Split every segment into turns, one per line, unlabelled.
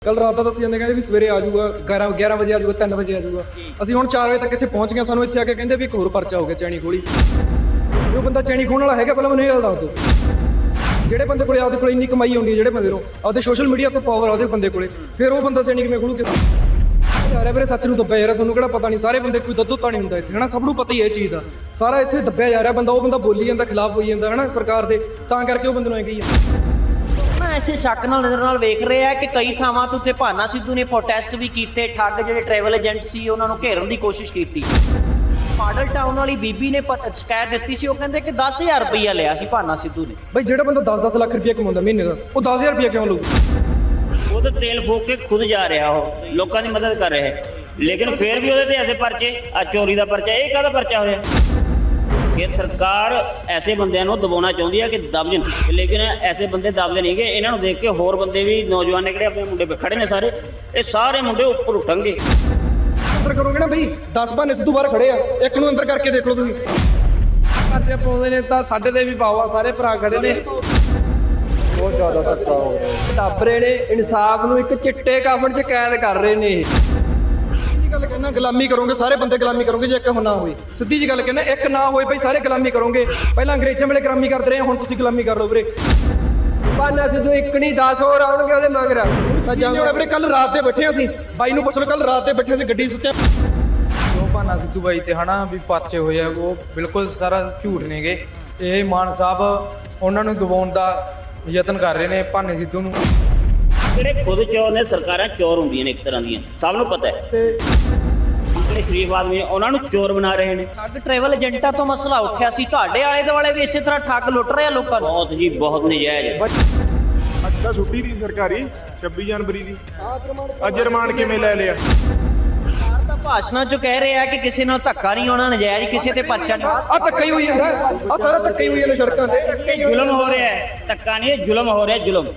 कल रात का दसी जाते कहते भी सवेरे आ जाऊगा 11 बजे आ जाऊगा 3 बजे आ जाऊगा ਅਸੀਂ ਹੁਣ 4 ਵਜੇ ਤੱਕ ਇੱਥੇ ਪਹੁੰਚ ਗਏ। ਸਾਨੂੰ ਇੱਥੇ ਆ ਕੇ ਕਹਿੰਦੇ ਵੀ ਇੱਕ ਹੋਰ ਪਰਚਾ ਹੋ ਗਿਆ ਚੈਣੀ ਖੋਲੀ। ਉਹ ਬੰਦਾ ਚੈਣੀ ਖੋਣ ਵਾਲਾ ਹੈਗਾ, ਪਹਿਲਾਂ ਮੈਨੂੰ ਇਹ ਗੱਲ ਦੱਸ ਦਿਓ। ਜਿਹੜੇ ਬੰਦੇ ਕੋਲੇ ਆਪਦੇ ਕੋਲੇ ਇੰਨੀ ਕਮਾਈ ਆਉਂਦੀ ਹੈ, ਜਿਹੜੇ ਬੰਦੇ ਨੂੰ ਆਪਦੇ ਸੋਸ਼ਲ ਮੀਡੀਆ ਤੋਂ ਪਾਵਰ ਆ ਉਹਦੇ ਬੰਦੇ ਕੋਲੇ, ਫਿਰ ਉਹ ਬੰਦਾ ਚੈਣੀ ਕਿਵੇਂ ਖੋਲੂ? ਯਾਰ ਵੀਰੇ ਸੱਚ ਨੂੰ ਦੱਬਿਆ ਯਾਰ, ਤੁਹਾਨੂੰ ਕਿਹੜਾ ਪਤਾ ਨਹੀਂ? ਸਾਰੇ ਬੰਦੇ ਕੋਈ ਦੁੱਧ ਤਾਂ ਨਹੀਂ ਹੁੰਦਾ ਇੱਥੇ, ਹਨਾ? ਸਭ ਨੂੰ ਪਤਾ ਹੀ ਇਹ ਚੀਜ਼ ਦਾ। ਸਾਰਾ ਇੱਥੇ ਦੱਬਿਆ ਜਾ ਰਿਹਾ ਬੰਦਾ, ਉਹ ਬੰਦਾ ਬੋਲੀ ਜਾਂਦਾ, ਖਿਲਾਫ ਹੋਈ ਜਾਂਦਾ, ਹਨਾ ਸਰਕਾਰ ਦੇ, ਤਾਂ ਕਰਕੇ ਉਹ ਬੰਦੇ ਨੂੰ ਐ ਕਹੀ ਜਾਂਦਾ।
ਐਸੇ ਸ਼ੱਕ ਨਾਲ ਨਜ਼ਰ ਨਾਲ ਵੇਖ ਰਹੇ ਆ ਕਿ ਕਈ ਥਾਵਾਂ ਤੋਂ ਉੱਤੇ ਭਾਨਾ ਸਿੱਧੂ ਨੇ ਪ੍ਰੋਟੈਸਟ ਵੀ ਕੀਤੇ, ਠੱਗ ਜਿਹੜੇ ਟਰੈਵਲ ਏਜੰਟ ਸੀ ਉਹਨਾਂ ਨੂੰ ਘੇਰਨ ਦੀ ਕੋਸ਼ਿਸ਼ ਕੀਤੀ। ਮਾਡਲ ਟਾਊਨ ਵਾਲੀ ਬੀਬੀ ਨੇ ਸ਼ਿਕਾਇਤ ਦਿੱਤੀ ਸੀ, ਉਹ ਕਹਿੰਦੇ ਕਿ 10,000 ਰੁਪਈਆ ਲਿਆ ਸੀ ਭਾਨਾ ਸਿੱਧੂ ਨੇ।
ਬਈ ਜਿਹੜਾ ਬੰਦਾ 10-10 ਲੱਖ ਰੁਪਈਆ ਕਮਾਉਂਦਾ ਮਹੀਨੇ ਦਾ, ਉਹ 10,000 ਰੁਪਈਆ ਕਿਉਂ ਲਊ?
खुद तेल फूक के खुद जा रहा हो, लोगों की मदद कर रहे हैं, लेकिन फिर भी ਉਹਦੇ ਤੇ ऐसे परचे चोरी का परचा, ਇਹ ਕਾਹਦਾ परचा ਹੋਇਆ? ਕਿ ਸਰਕਾਰ ਐਸੇ ਬੰਦਿਆਂ ਨੂੰ ਦਬਾਉਣਾ ਚਾਹੁੰਦੀ ਹੈ ਕਿ ਦਬ ਜਾਣ, ਲੇਕਿਨ ਐਸੇ ਬੰਦੇ ਦਬਦੇ ਨਹੀਂ ਗੇ। ਇਹਨਾਂ ਨੂੰ ਦੇਖ ਕੇ ਹੋਰ ਬੰਦੇ ਵੀ, ਨੌਜਵਾਨ ਨੇ ਕਿਹੜੇ ਆਪਣੇ ਮੁੰਡੇ ਖੜੇ ਨੇ ਸਾਰੇ, ਇਹ ਸਾਰੇ ਮੁੰਡੇ ਉੱਪਰ ਉੱਠਣਗੇ।
ਅੰਦਰ ਕਰੋਗੇ ਨਾ ਬਈ, 10 ਬਹਾਨੇ ਸਿੱਧੂ ਬਾਹਰ ਖੜੇ ਆ, ਇੱਕ ਨੂੰ ਅੰਦਰ ਕਰਕੇ ਦੇਖ ਲਓ ਤੁਸੀਂ।
ਪਰਚੇ ਪਾਉਂਦੇ ਨੇ ਤਾਂ ਸਾਡੇ ਤੇ ਵੀ ਪਾਓ ਆ, ਸਾਰੇ ਭਰਾ ਖੜੇ ਨੇ। ਬਹੁਤ ਜ਼ਿਆਦਾ ਧੱਕਾ ਹੋ ਗਿਆ, ਦੱਬ ਰਹੇ ਨੇ ਇਨਸਾਫ ਨੂੰ, ਇੱਕ ਚਿੱਟੇ ਕਾਫਨ 'ਚ ਕੈਦ ਕਰ ਰਹੇ ਨੇ।
ਸਿੱਧੀ ਗੱਲ ਕਹਿਣਾ, ਗੁਲਾਮੀ ਕਰੋਗੇ ਸਾਰੇ ਬੰਦੇ, ਗੁਲਾਮੀ ਕਰੋਗੇ ਜੇ ਇੱਕ ਨਾ ਹੋਵੇ। ਸਿੱਧੀ ਜੀ ਗੱਲ ਕਹਿਣਾ, ਇੱਕ ਨਾ ਹੋਏ ਬਈ ਸਾਰੇ ਗੁਲਾਮੀ ਕਰੋਗੇ। ਪਹਿਲਾਂ ਅੰਗਰੇਜ਼ਾਂ ਵੇਲੇ ਗੁਲਾਮੀ ਕਰਦੇ ਰਹੇ, ਹੁਣ ਤੁਸੀਂ ਗੁਲਾਮੀ ਕਰ ਲਓ ਵੀਰੇ।
ਭਾਨਾ ਸਿੱਧੂ ਇੱਕ ਨਹੀਂ 10 ਹੋਰ ਆਉਣਗੇ ਉਹਦੇ ਮਗਰ।
ਹੁਣ ਵੀਰੇ ਕੱਲ ਰਾਤ ਦੇ ਬੈਠੇ ਅਸੀਂ, ਬਾਈ ਨੂੰ ਪੁੱਛ ਲਓ, ਕੱਲ ਰਾਤ ਦੇ ਬੈਠੇ ਅਸੀਂ ਗੱਡੀ ਸੁੱਤੇ।
ਜੋ ਭਾਨਾ ਸਿੱਧੂ ਬਾਈ ਤੇ ਹਨਾ ਵੀ ਪਰਚੇ ਹੋਏ ਆ, ਉਹ ਬਿਲਕੁਲ ਸਾਰਾ ਝੂਠ ਨੇਗੇ। ਇਹ ਮਾਨ ਸਾਹਿਬ ਉਹਨਾਂ ਨੂੰ ਦਬਾਉਣ ਦਾ ਯਤਨ ਕਰ ਰਹੇ ਨੇ ਭਾਨੇ ਸਿੱਧੂ ਨੂੰ।
ਜਿਹੜੇ ਖੁਦ ਚੋਰ ਨੇ, ਸਰਕਾਰਾਂ ਚੋਰ ਹੁੰਦੀਆਂ ਨੇ ਇੱਕ ਤਰ੍ਹਾਂ ਦੀਆਂ, ਸਭ ਨੂੰ ਪਤਾ ਹੈ। ਜਿਹੜੇ ਸ਼ਰੀਫ ਆਦਮੀ ਉਹਨਾਂ ਨੂੰ ਚੋਰ ਬਣਾ ਰਹੇ ਨੇ।
ਠੱਗ ਟਰੈਵਲ ਏਜੰਟਾਂ ਤੋਂ ਮਸਲਾ ਉੱਠਿਆ ਸੀ, ਤੁਹਾਡੇ ਆਲੇ ਦੁਆਲੇ ਵੀ ਇਸੇ ਤਰ੍ਹਾਂ ਠੱਗ ਲੁੱਟ ਰਹੇ ਆ ਲੋਕਾਂ ਨੂੰ।
ਬਹੁਤ ਜੀ, ਬਹੁਤ ਨਜਾਇਜ਼।
ਅੱਜ ਤਾਂ ਛੁੱਟੀ ਦੀ ਸਰਕਾਰੀ 26 ਜਨਵਰੀ ਦੀ, ਅੱਜ ਰਿਮਾਂਡ ਕਿਵੇਂ ਲੈ ਲਿਆ?
ਸਰਕਾਰ ਤਾਂ ਭਾਸ਼ਣਾਂ 'ਚ ਕਹਿ ਰਹੇ ਆ ਕਿ ਕਿਸੇ ਨਾਲ ਧੱਕਾ ਨਹੀਂ ਹੋਣਾ, ਨਜਾਇਜ਼ ਕਿਸੇ ਤੇ ਪਰਚਾ ਨਹੀਂ।
ਆ ਧੱਕਾ ਹੀ ਹੋਈ ਜਾਂਦਾ, ਆ ਸਾਰਾ ਧੱਕਾ ਹੀ ਹੋਈ ਜਾਂਦਾ ਸੜਕਾਂ ਤੇ।
ਇਹ ਜ਼ੁਲਮ ਹੋ ਰਿਹਾ ਹੈ, ਧੱਕਾ ਨਹੀਂ, ਇਹ ਜ਼ੁਲਮ ਹੋ ਰਿਹਾ, ਜ਼ੁਲਮ।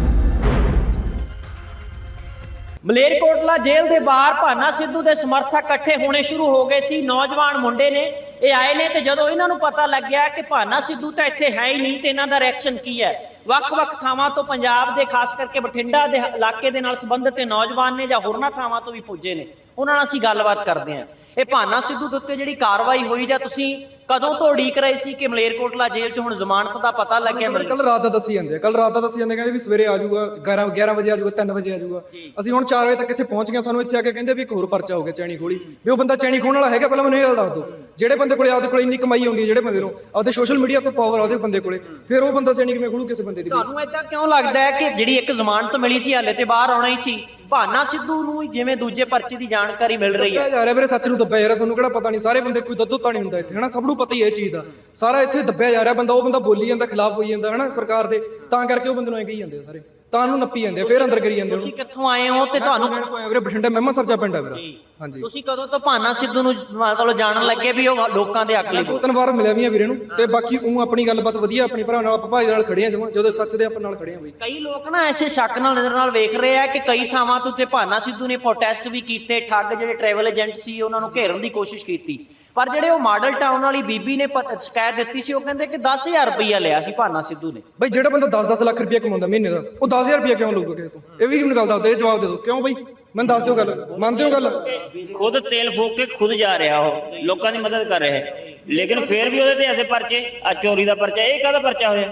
ਮਲੇਰਕੋਟਲਾ ਜੇਲ੍ਹ ਦੇ ਬਾਹਰ ਭਾਨਾ ਸਿੱਧੂ ਦੇ ਸਮਰਥਕ ਇਕੱਠੇ ਹੋਣੇ ਸ਼ੁਰੂ ਹੋ ਗਏ ਸੀ। ਨੌਜਵਾਨ ਮੁੰਡੇ ਨੇ, ਇਹ ਆਏ ਨੇ, ਤੇ ਜਦੋਂ ਇਹਨਾਂ ਨੂੰ ਪਤਾ ਲੱਗਿਆ ਕਿ ਭਾਨਾ ਸਿੱਧੂ ਤਾਂ ਇੱਥੇ ਹੈ ਹੀ ਨਹੀਂ, ਤੇ ਇਹਨਾਂ ਦਾ ਰਿਐਕਸ਼ਨ ਕੀ ਹੈ। ਵੱਖ-ਵੱਖ ਥਾਵਾਂ ਤੋਂ ਪੰਜਾਬ ਦੇ, ਖਾਸ ਕਰਕੇ ਬਠਿੰਡਾ ਦੇ ਇਲਾਕੇ ਦੇ ਨਾਲ ਸੰਬੰਧਿਤ ਨੌਜਵਾਨ ਨੇ ਜਾਂ ਹੋਰਨਾਂ ਥਾਵਾਂ ਤੋਂ ਵੀ ਪੁੱਜੇ ਨੇ, ਉਹਨਾਂ ਨਾਲ ਅਸੀਂ ਗੱਲਬਾਤ ਕਰਦੇ ਹਾਂ। ਇਹ ਭਾਨਾ ਸਿੱਧੂ ਦੇ ਉੱਤੇ ਜਿਹੜੀ ਕਾਰਵਾਈ ਹੋਈ, ਜਾਂ ਤੁਸੀਂ ਕਦੋਂ ਤੋਂ ਉਡੀਕ ਰਹੇ ਸੀ ਕਿ ਮਲੇਰਕੋਟਲਾ ਜੇਲ੍ਹ 'ਚ ਹੁਣ ਜ਼ਮਾਨਤ ਦਾ ਪਤਾ ਲੱਗਿਆ?
ਕੱਲ ਰਾਤ ਦਾ ਦੱਸੀ ਜਾਂਦੇ, ਕੱਲ ਰਾਤ ਦਾ ਦੱਸੀ ਜਾਂਦੇ ਕਹਿੰਦੇ ਵੀ ਸਵੇਰੇ ਆ ਜਾਊਗਾ 11 ਵਜੇ ਆ ਜਾਊਗਾ 3 ਵਜੇ ਆ ਜਾਊਗਾ। ਅਸੀਂ ਹੁਣ 4 ਵਜੇ ਤੱਕ ਇੱਥੇ ਪਹੁੰਚ ਗਏ। ਸਾਨੂੰ ਇੱਥੇ ਆ ਕੇ ਕਹਿੰਦੇ ਵੀ ਇੱਕ ਹੋਰ ਪਰਚਾ ਹੋ ਗਿਆ ਚੈਣੀ ਖੋਲੀ। ਵੀ ਉਹ ਬੰਦਾ ਚੈਣੀ ਖੋਣ ਵਾਲਾ ਹੈਗਾ, ਪਹਿਲਾਂ ਮੈਨੂੰ ਇਹ ਗੱਲ ਦੱਸ ਦਿਓ। ਜਿਹੜੇ ਬੰਦੇ ਕੋਲੇ ਆਪਦੇ ਕੋਲੇ ਇੰਨੀ ਕਮਾਈ ਆਉਂਦੀ ਹੈ, ਜਿਹੜੇ ਬੰਦੇ ਨੂੰ ਆਪਦੇ ਸੋਸ਼ਲ ਮੀਡੀਆ ਤੋਂ ਪਾਵਰ ਆ ਉਹਦੇ ਬੰਦੇ ਕੋਲੇ, ਫਿਰ ਉਹ ਬੰਦਾ ਚੈਣੀ ਕਿਵੇਂ ਖੋਲੂ ਕਿਸੇ ਬੰਦੇ ਦੀ?
ਤੁਹਾਨੂੰ ਏਦਾਂ ਕਿਉਂ ਲੱਗਦਾ ਹੈ ਕਿ ਜਿਹੜੀ ਇੱਕ ਜ਼ਮਾਨਤ ਮਿਲੀ ਸੀ, ਹਾਲੇ ਤੇ ਬਾਹਰ ਆਉਣਾ ਹੀ ਸੀ, ਭਾਨਾ ਸਿੱਧੂ ਨੂੰ ਜਿਵੇਂ ਦੂਜੇ ਪਰਚੇ ਦੀ ਜਾਣਕਾਰੀ ਮਿਲ ਰਹੀ ਹੈ?
ਯਾਰ ਵੀਰੇ ਸੱਚ ਨੂੰ ਦੱਬਿਆ ਯਾਰ, ਤੁਹਾਨੂੰ ਕਿਹੜਾ ਪਤਾ ਨਹੀਂ? ਸਾਰੇ ਬੰਦੇ ਕੋਈ ਦੁੱਧ ਤਾਂ ਨਹੀਂ ਹੁੰਦਾ ਇੱਥੇ, ਹਨਾ? ਸਭ ਨੂੰ ਪਤਾ ਹੀ ਇਹ ਚੀਜ਼ ਦਾ। ਸਾਰਾ ਇੱਥੇ ਦੱਬਿਆ ਜਾ ਰਿਹਾ ਬੰਦਾ, ਉਹ ਬੰਦਾ ਬੋਲੀ ਜਾਂਦਾ, ਖਿਲਾਫ ਹੋਈ ਜਾਂਦਾ, ਹਨਾ ਸਰਕਾਰ ਦੇ, ਤਾਂ ਕਰਕੇ ਉਹ ਬੰਦੇ ਨੂੰ ਐ ਕਹੀ ਜਾਂਦੇ ਆ ਸਾਰੇ, ਤਾਂ ਉਹਨੂੰ ਨੱਪੀ ਜਾਂਦੇ ਆ, ਫਿਰ ਅੰਦਰ ਕਰੀ ਜਾਂਦੇ।
ਤੁਸੀਂ ਕਿੱਥੋਂ ਆਏ ਹੋ ਤੇ ਤੁਹਾਨੂੰ
ਵੀਰੇ ਬਠਿੰਡਾ ਮਹਿਮਾ ਸਰਜਾ ਪਿੰਡ ਆ ਮੇਰਾ। ਹਾਂਜੀ,
ਤੁਸੀਂ ਕਦੋਂ ਤੋਂ ਭਾਨਾ ਸਿੱਧੂ ਨੂੰ ਮਤਲਬ ਜਾਣਨ ਲੱਗੇ ਵੀ ਉਹ ਲੋਕਾਂ ਦੇ ਹੱਕ ਲਈ?
2-3 ਵਾਰ ਮਿਲਿਆ ਵੀ ਆ ਵੀਰੇ ਨੂੰ, ਤੇ ਬਾਕੀ ਉਹ ਆਪਣੀ ਗੱਲਬਾਤ ਵਧੀਆ, ਆਪਣੀ ਭਰਾ ਨਾਲ, ਆਪਾਂ ਭਾਈ ਨਾਲ ਖੜੇ ਆ, ਜਮਾਂ ਜਦੋਂ ਸੱਚ ਦੇ ਆਪਾਂ ਨਾਲ ਖੜੇ ਆ ਬਈ।
ਕਈ ਲੋਕ ਨਾ ਐਸੇ ਸ਼ੱਕ ਨਾਲ ਨਜ਼ਰ ਨਾਲ ਵੇਖ ਰਹੇ ਆ ਕਿ ਕਈ ਥਾਵਾਂ ਤੋਂ ਉੱਤੇ ਭਾਨਾ ਸਿੱਧੂ ਨੇ ਪ੍ਰੋਟੈਸਟ ਵੀ ਕੀਤੇ, ਠੱਗ ਜਿਹੜੇ ਟਰੈਵਲ ਏਜੰਟ ਸੀ ਉਹਨਾਂ ਨੂੰ ਘੇਰਨ ਦੀ ਕੋਸ਼ਿਸ਼ ਕੀਤੀ। ਪਰ ਜਿਹੜੇ ਉਹ ਮਾਡਲ ਟਾਊਨ ਵਾਲੀ ਬੀਬੀ ਨੇ ਸ਼ਿਕਾਇਤ ਦਿੱਤੀ ਸੀ, ਉਹ ਕਹਿੰਦੇ ਕਿ 10,000 ਰੁਪਈਆ ਲਿਆ ਸੀ ਭਾਨਾ ਸਿੱਧੂ ਨੇ।
ਬਈ ਜਿਹੜਾ ਬੰਦਾ 10-10 ਲੱਖ ਰੁਪਈਆ ਕਮਾਉਂਦਾ ਮਹੀਨੇ ਦਾ, ਉਹ 10,000 ਰੁਪਈਆ ਕਿਉਂ ਲਊਗਾ ਕਿਸੇ ਤੋਂ? ਇਹ ਵੀ ਮੈਨੂੰ ਗੱਲ ਦੱਸ ਦਿਓ, ਇਹ ਜਵਾਬ ਦੇ ਦਿਓ। ਕਿਉਂ ਬਈ? ਮੈਨੂੰ ਦੱਸ ਦਿਓ ਗੱਲ, ਮੰਨਦੇ ਹੋ ਗੱਲ?
ਖੁਦ ਤੇਲ ਫੂਕ ਕੇ ਖੁਦ ਜਾ ਰਿਹਾ ਹੋ, ਲੋਕਾਂ ਦੀ ਮਦਦ ਕਰ ਰਹੇ ਹੈ, ਲੇਕਿਨ ਫਿਰ ਵੀ ਉਹਦੇ ਤੇ ਐਸੇ परचे चोरी का परचा, ਇਹ ਕਾਹਦਾ परचा ਹੋਇਆ?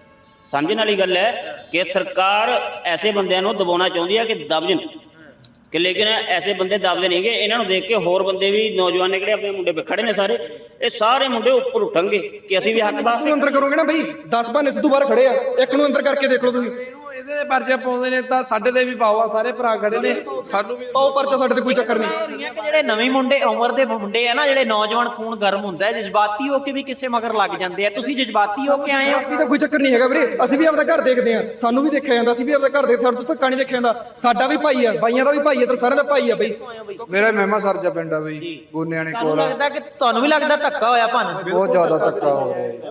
ਸਮਝਣ ਵਾਲੀ ਗੱਲ ਹੈ ਕਿ ਸਰਕਾਰ ਐਸੇ ਬੰਦਿਆਂ ਨੂੰ ਦਬਾਉਣਾ ਚਾਹੁੰਦੀ ਹੈ ਕਿ ਦਬ ਜਾਣ, ਕਿ ਲੇਕਿਨ ਐਸੇ ਬੰਦੇ ਦਬਦੇ ਨਹੀਂ ਗੇ। ਇਹਨਾਂ ਨੂੰ ਦੇਖ ਕੇ ਹੋਰ ਬੰਦੇ ਵੀ, ਨੌਜਵਾਨ ਨੇ ਕਿਹੜੇ ਆਪਣੇ ਮੁੰਡੇ ਖੜੇ ਨੇ ਸਾਰੇ, ਇਹ ਸਾਰੇ ਮੁੰਡੇ ਉੱਪਰ ਉੱਠਣਗੇ ਕਿ ਅਸੀਂ ਵੀ ਹੱਕਦਾਰ।
ਅੰਦਰ ਕਰੋਗੇ ਨਾ ਬਈ, 10 ਬਹਾਨੇ ਸਿੱਧੂ ਬਾਹਰ ਖੜੇ ਆ, ਇੱਕ ਨੂੰ ਅੰਦਰ ਕਰਕੇ ਦੇਖ ਲਓ ਤੁਸੀਂ।
ਇਹਦੇ ਤੇ ਪਰਚੇ ਪਾਉਂਦੇ ਨੇ ਤਾਂ ਸਾਡੇ ਤੇ ਵੀ ਪਾਓ ਆ, ਸਾਰੇ ਭਰਾ ਖੜੇ ਨੇ।
ਸਾਨੂੰ ਵੀ ਪਾਓ ਪਰਚਾ, ਸਾਡੇ ਤੇ ਕੋਈ ਚੱਕਰ ਨਹੀਂ।
ਕਿ ਜਿਹੜੇ ਨਵੇਂ ਮੁੰਡੇ, ਉਮਰ ਦੇ ਮੁੰਡੇ ਆ ਨਾ, ਜਿਹੜੇ ਨੌਜਵਾਨ, ਖੂਨ ਗਰਮ ਹੁੰਦਾ ਹੈ, ਜਜ਼ਬਾਤੀ ਹੋ ਕੇ ਵੀ ਕਿਸੇ ਮਗਰ ਲੱਗ ਜਾਂਦੇ ਆ। ਤੁਸੀਂ ਜਜ਼ਬਾਤੀ ਹੋ ਕੇ ਆਏ ਹੋ?
ਤਾਂ ਕੋਈ ਚੱਕਰ ਨਹੀਂ ਹੈਗਾ ਵੀਰੇ, ਅਸੀਂ ਵੀ ਆਪਦਾ ਘਰ ਦੇਖਦੇ ਆ, ਸਾਨੂੰ ਵੀ ਦੇਖਿਆ ਜਾਂਦਾ, ਅਸੀਂ ਵੀ ਆਪਦਾ ਘਰ ਦੇਖਦੇ, ਸਾਡੇ ਤੋਂ ਧੱਕਾ ਨਹੀਂ ਦੇਖਿਆ ਜਾਂਦਾ। ਸਾਡਾ ਵੀ ਭਾਈ ਆ, ਬਾਈਆਂ ਦਾ ਵੀ ਭਾਈ ਆ, ਤੇ ਸਾਰਿਆਂ ਦਾ ਭਾਈ ਆ ਬਈ।
ਮੇਰਾ ਮਹਿਮਾ ਸਰਜਾ ਪਿੰਡ ਆ ਬਈ, ਗੋਨਿਆਣੇ ਕੋਲ।
ਲੱਗਦਾ ਕਿ ਤੁਹਾਨੂੰ ਵੀ ਲੱਗਦਾ ਧੱਕਾ ਹੋਇਆ ਭਾਨਾ?
ਬਹੁਤ ਜ਼ਿਆਦਾ ਧੱਕਾ ਹੋ ਰਿਹਾ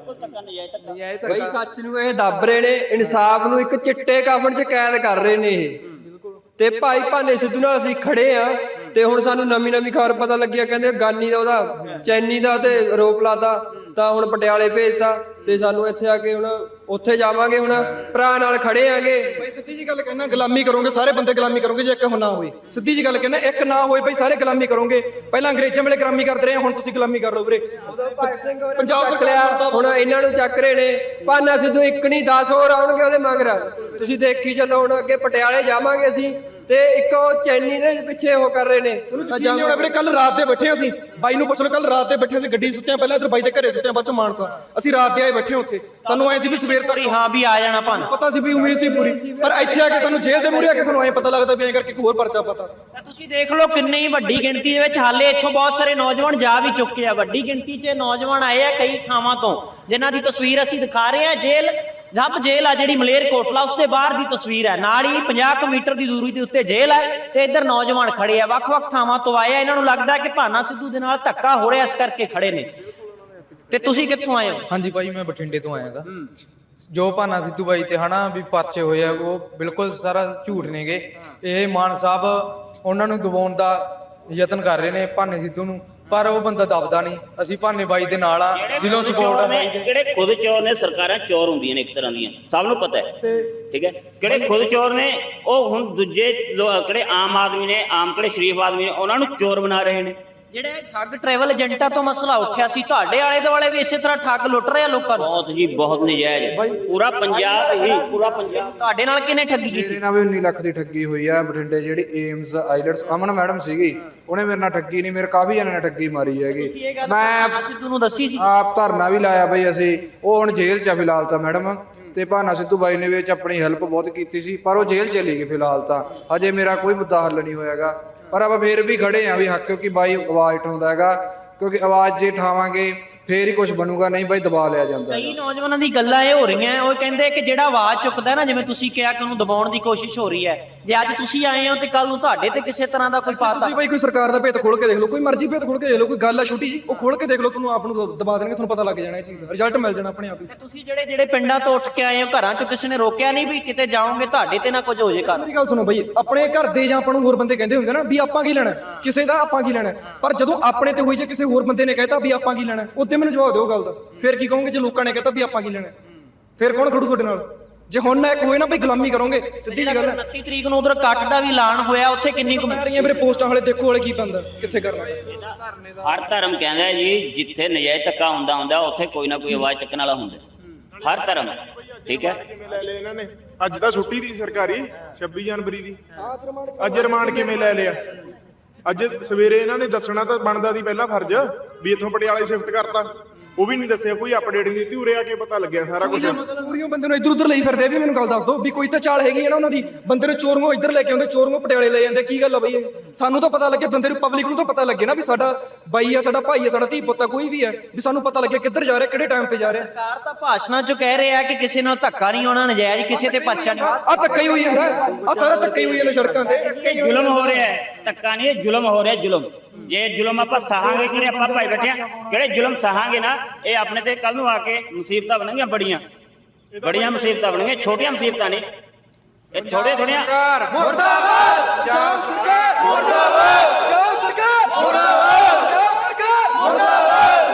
ਬਈ ਸੱਚ ਨੂੰ ਇਹ ਦੱਬ ਰਹੇ ਨੇ, ਇਨਸਾਫ ਨੂੰ ਇੱਕ ਚਿੱਟੇ ਕਾਫਨ 'ਚ ਕੈਦ ਕਰ ਰਹੇ ਨੇ ਇਹ। ਤੇ ਭਾਈ ਭਾਨੇ ਸਿੱਧੂ ਨਾਲ ਅਸੀਂ ਖੜੇ ਆ, ਤੇ ਹੁਣ ਸਾਨੂੰ ਨਵੀਂ ਖਬਰ ਪਤਾ ਲੱਗਿਆ, ਕਹਿੰਦੇ ਗਾਨੀ ਦਾ, ਉਹਦਾ ਚੈਨੀ ਦਾ ਤੇ ਆਰੋਪ ਲਾਤਾ, ਤਾਂ ਹੁਣ ਪਟਿਆਲੇ ਭੇਜਤਾ। ਤੇ ਸਾਨੂੰ ਇੱਥੇ ਆ ਕੇ ਹੁਣ ਉੱਥੇ ਜਾਵਾਂਗੇ। ਹੁਣ ਭਰਾ ਨਾਲ ਖੜੇ ਆਂਗੇ।
ਭਾਈ ਸਿੱਧੀ ਜੀ ਗੱਲ ਕਹਿਣਾ, ਗੁਲਾਮੀ ਕਰੋਗੇ ਸਾਰੇ ਬੰਦੇ, ਗੁਲਾਮੀ ਕਰੋਗੇ ਜੇ ਇੱਕ ਨਾ ਹੋਏ। ਸਿੱਧੀ ਜੀ ਗੱਲ ਕਹਿਣਾ, ਇੱਕ ਨਾ ਹੋਏ ਭਾਈ ਸਾਰੇ ਗੁਲਾਮੀ ਕਰੋਗੇ। ਪਹਿਲਾਂ ਅੰਗਰੇਜ਼ਾਂ ਵੇਲੇ ਗੁਲਾਮੀ ਕਰਦੇ ਰਹੇ, ਹੁਣ ਤੁਸੀਂ ਗੁਲਾਮੀ ਕਰ ਲਓ ਵੀਰੇ।
ਪੰਜਾਬ ਚੱਕ ਲਿਆ, ਹੁਣ ਇਹਨਾਂ ਨੂੰ ਚੱਕ ਰਹੇ ਨੇ। ਭਾਨਾ ਸਿੱਧੂ ਇੱਕ ਨਹੀਂ 10 ਹੋਰ ਆਉਣਗੇ ਉਹਦੇ ਮਗਰ। ਤੁਸੀਂ ਦੇਖੀ ਚੱਲੋ। ਹੁਣ ਅੱਗੇ ਪਟਿਆਲੇ ਜਾਵਾਂਗੇ ਅਸੀਂ, ਤੇ ਇੱਕ ਉਹ ਚੈਨੀ ਦੇ ਪਿੱਛੇ ਉਹ ਕਰ ਰਹੇ ਨੇ।
ਨਹੀਂ ਹੋਣਾ ਵੀਰੇ, ਕੱਲ ਰਾਤ ਦੇ ਬੈਠੇ ਅਸੀਂ, ਬਾਈ ਨੂੰ ਪੁੱਛ ਲਓ, ਕੱਲ ਰਾਤ ਦੇ ਬੈਠੇ ਅਸੀਂ, ਗੱਡੀ ਸੁੱਤੇ ਪਹਿਲਾਂ ਇੱਧਰ ਬਾਈ ਦੇ ਘਰੇ ਸੁੱਤੇ, ਬਾਅਦ ਚ ਮਾਨਸਾ ਅਸੀਂ ਰਾਤ ਦੇ ਆਏ ਬੈਠੇ ਉੱਥੇ। ਸਾਨੂੰ ਐ ਸੀ ਵੀ ਸਵੇਰ ਤੱਕ
ਹਾਂ ਵੀ ਆ ਜਾਣਾ ਭਾਨਾ,
ਪਤਾ ਸੀ ਵੀ ਉਮੀਦ ਸੀ ਪੂਰੀ, ਪਰ ਇੱਥੇ ਆ ਕੇ ਸਾਨੂੰ ਜੇਲ੍ਹ ਦੇ ਮੂਹਰੇ ਆ ਕੇ ਸਾਨੂੰ ਐ ਪਤਾ ਲੱਗਦਾ ਵੀ ਐਂ ਕਰਕੇ ਇੱਕ ਹੋਰ ਪਰਚਾ ਪਤਾ।
ਤਾਂ ਤੁਸੀਂ ਦੇਖ ਲਓ ਕਿੰਨੀ ਵੱਡੀ ਗਿਣਤੀ ਦੇ ਵਿੱਚ ਹਾਲੇ ਇੱਥੋਂ ਬਹੁਤ ਸਾਰੇ ਨੌਜਵਾਨ ਜਾ ਵੀ ਚੁੱਕੇ ਆ। ਵੱਡੀ ਗਿਣਤੀ 'ਚ ਨੌਜਵਾਨ ਆਏ ਆ ਕਈ ਥਾਵਾਂ ਤੋਂ, ਜਿਨ੍ਹਾਂ ਦੀ ਤਸਵੀਰ ਅਸੀਂ ਦਿਖਾ ਰਹੇ ਹਾਂ। ਜੱਬ ਜੇਲ੍ਹ ਆ ਜਿਹੜੀ ਮਲੇਰਕੋਟਲਾ, ਉਸ ਦੇ ਬਾਹਰ ਦੀ ਤਸਵੀਰ ਹੈ। ਨਾਲ ਹੀ 50 ਮੀਟਰ ਦੀ ਦੂਰੀ ਦੇ ਉੱਤੇ ਜੇਲ੍ਹ ਹੈ ਤੇ ਇੱਧਰ ਨੌਜਵਾਨ ਖੜੇ ਆ, ਵੱਖ-ਵੱਖ ਥਾਵਾਂ ਤੋਂ ਆਏ ਆ। ਇਹਨਾਂ ਨੂੰ ਲੱਗਦਾ ਕਿ ਭਾਨਾ ਸਿੱਧੂ ਦੇ ਨਾਲ ਧੱਕਾ ਹੋ ਰਿਹਾ, ਇਸ ਕਰਕੇ ਖੜੇ ਨੇ। ਤੇ ਤੁਸੀਂ ਕਿੱਥੋਂ ਆਏ ਹੋ?
ਹਾਂਜੀ ਭਾਈ, ਮੈਂ ਬਠਿੰਡੇ ਤੋਂ ਆਇਆਗਾ। ਜੋ ਭਾਨਾ ਸਿੱਧੂ ਬਾਈ ਤੇ ਹਨਾ ਵੀ ਪਰਚੇ ਹੋਏ ਆ, ਉਹ ਬਿਲਕੁਲ ਸਾਰਾ ਝੂਠ ਨੇਗੇ। ਇਹ ਮਾਨ ਸਾਹਿਬ ਉਹਨਾਂ ਨੂੰ ਦਬਾਉਣ ਦਾ ਯਤਨ ਕਰ ਰਹੇ ਨੇ ਭਾਨੇ ਸਿੱਧੂ ਨੂੰ, ਪਰ ਉਹ ਬੰਦਾ ਦਬਦਾ ਨਹੀਂ। ਅਸੀਂ ਭਾਨੇ ਬਾਈ ਦੇ ਨਾਲ ਆ, ਦਿਲੋਂ ਸਪੋਰਟ ਆ ਬਾਈ।
ਕਿਹੜੇ ਖੁਦ ਚੋਰ ਨੇ, ਸਰਕਾਰਾਂ ਚੋਰ ਹੁੰਦੀਆਂ ਨੇ ਇੱਕ ਤਰ੍ਹਾਂ ਦੀਆਂ, ਸਭ ਨੂੰ ਪਤਾ ਹੈ, ਠੀਕ ਹੈ। ਕਿਹੜੇ ਖੁਦ ਚੋਰ ਨੇ, ਉਹ ਹੁਣ ਦੂਜੇ ਕਿਹੜੇ ਆਮ ਆਦਮੀ ਨੇ, ਕਿਹੜੇ ਸ਼ਰੀਫ ਆਦਮੀ ਨੇ, ਉਹਨਾਂ ਨੂੰ ਚੋਰ ਬਣਾ ਰਹੇ ਨੇ।
ਜਿਹੜੇ ਠੱਗ ਟਰੈਵਲ ਏਜੰਟਾਂ ਤੋਂ ਮਸਲਾ ਉੱਠਿਆ ਸੀ, ਤੁਹਾਡੇ ਆਲੇ ਦੁਆਲੇ ਵੀ ਇਸੇ ਤਰ੍ਹਾਂ ਠੱਗ ਲੁੱਟ ਰਹੇ ਆ ਲੋਕਾਂ ਨੂੰ?
ਬਹੁਤ ਜੀ, ਬਹੁਤ ਨਜਾਇਜ਼। ਪੂਰਾ ਪੰਜਾਬ
ਤੁਹਾਡੇ ਨਾਲ ਕਿਹਨੇ ਠੱਗੀ ਕੀਤੀ?
ਮੇਰੇ ਨਾਲ ਵੀ 19 ਲੱਖ ਦੀ ਠੱਗੀ ਹੋਈ ਆ ਬਠਿੰਡੇ। ਜਿਹੜੀ ਏਮਸ ਆਈਲੈਟਸ ਅਮਨ ਮੈਡਮ ਸੀਗੀ, ਉਹਨੇ ਮੇਰੇ ਨਾਲ ਠੱਗੀ ਨਹੀਂ, ਮੇਰੇ ਕਾਫੀ ਜਣਿਆਂ ਨੇ ਠੱਗੀ ਮਾਰੀ ਹੈਗੀ।
ਮੈਂ ਸਿੱਧੂ ਨੂੰ ਦੱਸੀ ਸੀ,
ਆਪ ਧਰਨਾ ਵੀ ਲਾਇਆ ਬਈ ਅਸੀਂ। ਉਹ ਹੁਣ ਜੇਲ੍ਹ 'ਚ ਆ ਫਿਲਹਾਲ ਤਾਂ ਮੈਡਮ। ਤੇ ਭਾਨਾ ਸਿੱਧੂ ਬਾਈ ਨੇ ਵਿੱਚ ਆਪਣੀ ਹੈਲਪ ਬਹੁਤ ਕੀਤੀ ਸੀ, ਪਰ ਉਹ ਜੇਲ੍ਹ ਚਲੀ ਗਈ ਫਿਲਹਾਲ ਤਾਂ। ਹਜੇ ਮੇਰਾ ਕੋਈ ਮੁੱਦਾ ਹੱਲ ਨਹੀਂ ਹੋਇਆਗਾ, ਪਰ ਆਪਾਂ ਫੇਰ ਵੀ ਖੜੇ ਆ ਵੀ ਹੱਕ, ਕਿਉਂਕਿ ਬਾਈ ਆਵਾਜ਼ ਉਠਾਉਂਦਾ ਹੈਗਾ। ਕਿਉਂਕਿ ਆਵਾਜ਼ ਜੇ ਉਠਾਵਾਂਗੇ ਫੇਰ ਹੀ ਕੁਝ ਬਣੂਗਾ, ਨਹੀਂ ਬਾਈ ਦਬਾ ਲਿਆ ਜਾਂਦਾ।
ਕਈ ਨੌਜਵਾਨਾਂ ਦੀ ਗੱਲਾਂ ਇਹ ਹੋ ਰਹੀਆਂ, ਉਹ ਕਹਿੰਦੇ ਕਿ ਜਿਹੜਾ ਆਵਾਜ਼ ਚੁੱਕਦਾ ਨਾ, ਜਿਵੇਂ ਤੁਸੀਂ ਕਿਹਾ ਕਿ ਉਹਨੂੰ ਦਬਾਉਣ ਦੀ ਕੋਸ਼ਿਸ਼ ਹੋ ਰਹੀ ਹੈ, ਜੇ ਅੱਜ ਤੁਸੀਂ ਆਏ ਹੋ ਤੇ ਕੱਲ ਨੂੰ ਤੁਹਾਡੇ ਤੇ ਕਿਸੇ ਤਰ੍ਹਾਂ ਦਾ ਕੋਈ ਪਾਤਾ।
ਤੁਸੀਂ ਬਾਈ ਕੋਈ ਸਰਕਾਰ ਦਾ ਭੇਤ ਖੋਲ ਕੇ ਦੇਖ ਲਓ, ਕੋਈ ਮਰਜ਼ੀ ਭੇਤ ਖੋਲ ਕੇ ਦੇਖ ਲਓ, ਕੋਈ ਗੱਲ ਆ ਛੋਟੀ ਜੀ, ਉਹ ਖੋਲ ਕੇ ਦੇਖ ਲਓ, ਤੁਹਾਨੂੰ ਆਪ ਨੂੰ ਦਬਾ ਦੇਣਗੇ, ਤੁਹਾਨੂੰ ਪਤਾ ਲੱਗ ਜਾਣਾ ਇਹ ਚੀਜ਼ ਦਾ, ਰਿਜ਼ਲਟ ਮਿਲ ਜਾਣਾ ਆਪਣੇ ਆਪ ਹੀ।
ਤੁਸੀਂ ਜਿਹੜੇ ਪਿੰਡਾਂ ਤੋਂ ਉੱਠ ਕੇ ਆਏ ਹੋ, ਘਰਾਂ ਚੋਂ ਕਿਸੇ ਨੇ ਰੋਕਿਆ ਨਹੀਂ ਵੀ ਕਿਤੇ ਜਾਓਗੇ ਤੁਹਾਡੇ ਤੇ ਨਾ ਕੁਝ ਹੋ ਜੇ? ਕਰ
ਮੇਰੀ ਗੱਲ ਸੁਣੋ ਬਾਈ, ਆਪਣੇ ਘਰ ਦੇ ਜਾਂ ਆਪਾਂ ਨੂੰ ਹੋਰ ਬੰਦੇ ਕਹਿੰਦੇ ਹੁੰਦੇ ਨਾ ਵੀ ਆਪਾਂ ਕੀ ਲੈਣਾ, ਕਿਸੇ ਦਾ ਆਪਾਂ ਕੀ ਲੈਣਾ, ਪਰ ਜਦੋਂ ਆਪਣੇ ਤੇ ਹੋਈ, ਜੇ ਕਿਸੇ ਹੋਰ ਬੰਦੇ ਨੇ ਕਹਿਤਾ ਵੀ ਆਪਾਂ ਕੀ ਲੈਣਾ, ਉੱਤੇ ਮੈਨੂੰ ਜਵਾਬ ਦਿਓ ਗੱਲ ਦਾ। ਫਿਰ ਕੀ ਕਹੋਗੇ ਜੇ ਲੋਕਾਂ ਨੇ ਕਹਿਤਾ ਵੀ ਆਪਾਂ ਕੀ ਲੈਣਾ? ਫਿਰ ਕੌਣ ਖੜੂ ਤੁਹਾਡੇ ਨਾਲ? ਜੇ ਹੁਣ ਨਾ ਇੱਕ ਹੋਏ ਨਾ ਵੀ ਗੁਲਾਮੀ ਕਰੋਗੇ, ਸਿੱਧੀ ਜੀ ਗੱਲ ਹੈ।
29 ਤਰੀਕ ਨੂੰ ਉਧਰ ਕੱਟ ਦਾ ਵੀ ਐਲਾਨ ਹੋਇਆ, ਉੱਥੇ ਕਿੰਨੀ ਕੁ
ਰਹੀਆਂ ਵੀਰੇ ਪੋਸਟਾਂ ਵਾਲੇ, ਦੇਖੋ ਵਾਲੇ ਕੀ ਬੰਦਾ ਕਿੱਥੇ ਕਰਨਾ।
ਹਰ ਧਰਮ ਕਹਿੰਦਾ ਜੀ, ਜਿੱਥੇ ਨਜਾਇਜ਼ ਧੱਕਾ ਹੁੰਦਾ ਉੱਥੇ ਕੋਈ ਨਾ ਕੋਈ ਆਵਾਜ਼ ਚੱਕਣ ਵਾਲਾ ਹੁੰਦਾ, ਹਰ ਧਰਮ, ਠੀਕ ਹੈ।
ਕਿਵੇਂ ਲੈ ਲਿਆ ਇਹਨਾਂ ਨੇ? ਅੱਜ ਤਾਂ ਛੁੱਟੀ ਦੀ ਸਰਕਾਰੀ 26 ਜਨਵਰੀ ਦੀ, ਅੱਜ ਰਿਮਾਂਡ ਕਿਵੇਂ ਲੈ ਲਿਆ? ਅੱਜ ਸਵੇਰੇ ਇਹਨਾਂ ਨੇ ਦੱਸਣਾ ਤਾਂ ਬਣਦਾ ਦੀ ਪਹਿਲਾਂ ਫਰਜ਼ ਵੀ ਇੱਥੋਂ ਪਟਿਆਲੇ ਸ਼ਿਫਟ ਕਰਤਾ, ਉਹ ਵੀ ਨਹੀਂ ਦੱਸਿਆ, ਕੋਈ ਅਪਡੇਟ ਨਹੀਂ ਦਿੱਤੀ। ਉਰੇ ਆ ਕੇ ਪਤਾ ਲੱਗਿਆ ਸਾਰਾ ਕੁਝ।
ਚੋਰੀਆਂ ਬੰਦੇ ਨੂੰ ਇੱਧਰ ਉੱਧਰ ਲਈ ਫਿਰਦੇ, ਵੀ ਮੈਨੂੰ ਗੱਲ ਦੱਸ ਦਿਓ ਵੀ ਕੋਈ ਤਾਂ ਚਾਲ ਹੈਗੀ ਹੈ ਨਾ ਉਹਨਾਂ ਦੀ। ਬੰਦੇ ਨੂੰ ਚੋਰੀਆਂ ਇੱਧਰ ਲੈ ਕੇ ਆਉਂਦੇ, ਚੋਰੀਆਂ ਪਟਿਆਲੇ ਲੈ ਜਾਂਦੇ, ਕੀ ਗੱਲ ਆ ਬਈ ਇਹ? ਸਾਨੂੰ ਤਾਂ ਪਤਾ ਲੱਗੇ, ਬੰਦੇ ਨੂੰ, ਪਬਲਿਕ ਨੂੰ ਤਾਂ ਪਤਾ ਲੱਗੇ ਨਾ ਵੀ ਸਾਡਾ ਬਾਈ ਆ, ਸਾਡਾ ਭਾਈ ਆ, ਸਾਡਾ ਧੀ ਪੁੱਤ ਆ, ਕੋਈ ਵੀ ਹੈ, ਵੀ ਸਾਨੂੰ ਪਤਾ ਲੱਗੇ ਕਿੱਧਰ ਜਾ ਰਿਹਾ, ਕਿਹੜੇ ਟਾਈਮ ਤੇ ਜਾ ਰਿਹਾ।
ਸਰਕਾਰ ਤਾਂ ਭਾਸ਼ਣਾਂ 'ਚ ਕਹਿ ਰਿਹਾ ਕਿ ਕਿਸੇ ਨਾਲ ਧੱਕਾ ਨਹੀਂ ਹੋਣਾ, ਨਜਾਇਜ਼ ਕਿਸੇ ਤੇ ਪਰਚਾ ਨਹੀਂ।
ਆ ਧੱਕਾ ਹੀ ਹੋਈ ਜਾਂਦਾ, ਆ ਸਾਰਾ ਧੱਕਾ ਹੀ ਹੋਈ ਜਾਂਦਾ ਸੜਕਾਂ ਤੇ।
ਜ਼ੁਲਮ ਹੋ ਰਿਹਾ ਹੈ, ਧੱਕਾ ਨਹੀਂ, ਜ਼ੁਲਮ ਹੋ ਰਿਹਾ, ਜ਼ੁਲਮ। ਜੇ ਜ਼ੁਲਮ ਆਪਾਂ ਸਹਾਂਗੇ, ਕਿਹੜੇ ਆਪਾਂ ਭਾਈ ਬੈਠੇ ਆ, ਕਿਹੜੇ ਜ਼ੁਲਮ ਸਹਾਂਗੇ ਨਾ, ਇਹ ਆਪਣੇ ਤੇ ਕੱਲ ਨੂੰ ਆ ਕੇ ਮੁਸੀਬਤਾਂ ਬਣਨਗੀਆਂ, ਬੜੀਆਂ ਮੁਸੀਬਤਾਂ ਬਣਨਗੀਆਂ, ਛੋਟੀਆਂ ਮੁਸੀਬਤਾਂ ਨਹੀਂ, ਇਹ ਥੋੜੀਆਂ।
ਮੁਰਦਾਬਾਦ ਪੰਜਾਬ ਸਰਕਾਰ, ਮੁਰਦਾਬਾਦ ਪੰਜਾਬ ਸਰਕਾਰ, ਮੁਰਦਾਬਾਦ ਪੰਜਾਬ ਸਰਕਾਰ, ਮੁਰਦਾਬਾਦ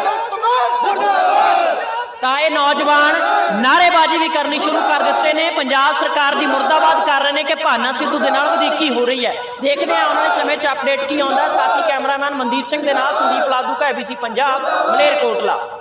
ਮੁਰਦਾਬਾਦ।
ਤਾਂ ਇਹ ਨੌਜਵਾਨ ਨਾਅਰੇਬਾਜ਼ੀ ਵੀ ਕਰਨੀ ਸ਼ੁਰੂ ਕਰ ਦਿੱਤੇ ਨੇ, ਪੰਜਾਬ ਸਰਕਾਰ ਦੀ ਮੁਰਦਾਬਾਦ ਕਰ ਰਹੇ ਨੇ ਕਿ ਭਾਨਾ ਸਿੱਧੂ ਦੇ ਨਾਲ ਵਧੀਕੀ ਹੋ ਰਹੀ ਹੈ। ਦੇਖਦੇ ਹਾਂ ਆਉਣ ਵਾਲੇ ਸਮੇਂ 'ਚ ਅਪਡੇਟ ਕੀ ਆਉਂਦਾ। ਸਾਥੀ ਕੈਮਰਾਮੈਨ ਮਨਦੀਪ ਸਿੰਘ ਦੇ ਨਾਲ ਸੰਦੀਪ ਲਾਦੂ, ABC ਪੰਜਾਬ, ਮਲੇਰਕੋਟਲਾ।